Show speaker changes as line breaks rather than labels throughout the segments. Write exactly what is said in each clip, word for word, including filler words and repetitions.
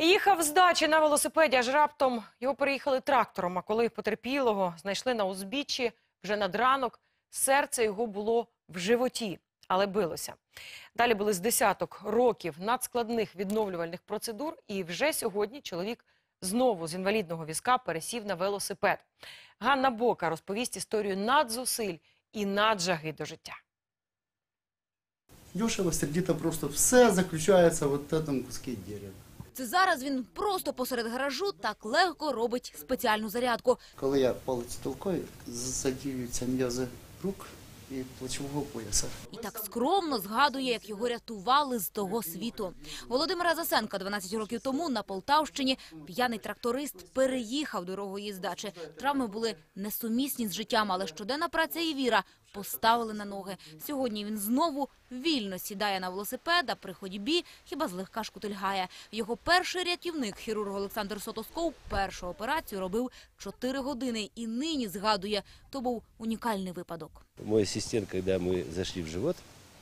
Їхав з дачі на велосипеді, аж раптом його переїхали трактором. А коли потерпілого знайшли на узбіччі вже над ранок, серце його було в животі, але билося. Далі були з десяток років надскладних відновлювальних процедур, і вже сьогодні чоловік знову з інвалідного візка пересів на велосипед. Ганна Бока розповість історію надзусиль і наджаги до життя.
Дешево, сердито, просто все заключається в цьому куску дерева.
Це зараз він просто посеред гаражу так легко робить спеціальну зарядку.
Коли я палець толкаю, задіюються м'язи рук і плечового пояса.
І так скромно згадує, як його рятували з того світу. Володимира Засенка дванадцять років тому на Полтавщині п'яний тракторист переїхав дорогою з дачі. Травми були несумісні з життям, але щоденна праця і віра поставили на ноги. Сьогодні він знову вільно сідає на велосипед, а при ходьбі хіба злегка шкутильгає. Його перший рятівник, хірург Олександр Сотосков, першу операцію робив чотири години. І нині згадує, то був унікальний випадок.
Мой ассистент, когда мы зашли в живот,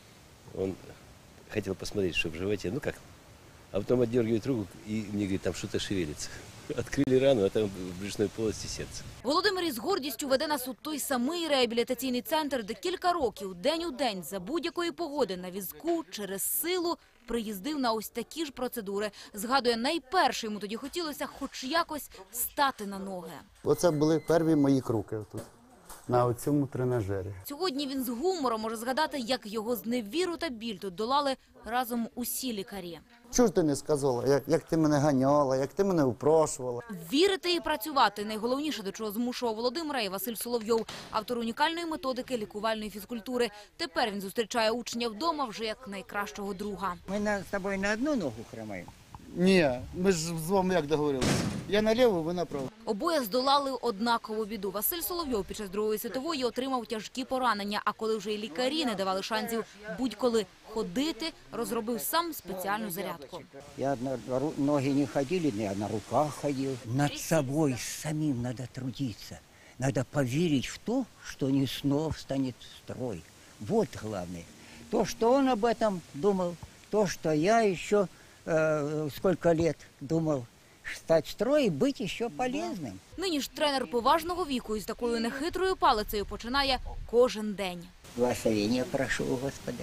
он хотел посмотреть, что в животе, ну как, а потом отдергивает руку и мне говорит, там что-то шевелится. Открыли рану, а там в брюшной полости сердце.
Володимир із гордістю веде нас у той самий реабілітаційний центр, де кілька років, день у день, за будь-якої погоди на візку, через силу, приїздив на ось такі ж процедури. Згадує, найперше йому тоді хотілося хоч якось стати на ноги.
Оце були перві мої кроки тут, на цьому тренажері.
Сьогодні він з гумором може згадати, як його зневіру та біль тут долали разом усі лікарі.
Чого ж ти не сказала, як, як ти мене ганяла, як ти мене упрошувала?
Вірити і працювати – найголовніше, до чого змушував Володимира і Василь Соловйов, автор унікальної методики лікувальної фізкультури. Тепер він зустрічає учня вдома вже як найкращого друга.
Ми на, з тобою на одну ногу хромаємо?
Ні, ми ж з вами як договорилися. Я наліво, ви направо.
Обоє здолали однакову біду. Василь Соловйов під час Другої світової отримав тяжкі поранення, а коли вже і лікарі не давали шансів будь-коли ходити, розробив сам спеціальну зарядку.
Я на ноги не ходили, я на руках ходив. Над собою самим треба трудитися. Надо поверить в то, что не снова встанет в строй. Вот главное. То, что он об этом думал, то, что я еще э, сколько лет думал, стать в строй і бути ще полезним.
Нині ж тренер поважного віку із такою нехитрою палицею починає кожен день.
Благословения прошу у Господа.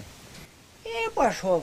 И пошел.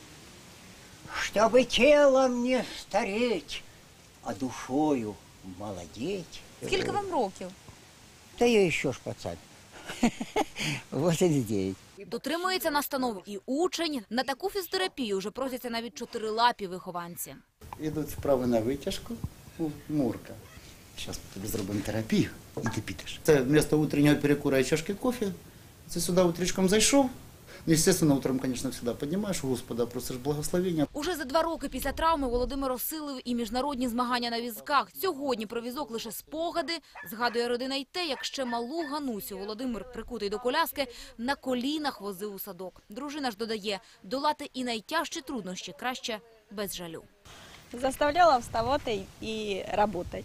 Чтобы телом не стареть, а душою молодеть.
Скільки вам років?
Да я еще ж пацан. восемьдесят девять.
Дотримується настанов і учень. На таку фізтерапію вже просяться навіть чотирилапі вихованці.
Ідуть вправи на витяжку, мурка. Зараз тобі зробимо терапію і ти підеш. Це вместо утреннього перекура і чашки кофе. Це сюди утречком зайшов. Естественно, утром, конечно, всегда поднимаешь у Господа, просиш благословення.
Уже за два роки після травми Володимир осилив і міжнародні змагання на візках. Сьогодні про візок лише спогади. Згадує родина й те, як ще малу Ганусю Володимир, прикутий до коляски, на колінах возив у садок. Дружина ж додає, долати і найтяжчі труднощі краще без жалю.
Заставляла вставати і працювати.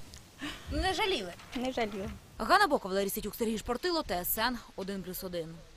Не жаліли?
Не жаліла.
Ганна Бока, Валерій Ситюк, Сергій Шпортило, Т С Н один плюс один.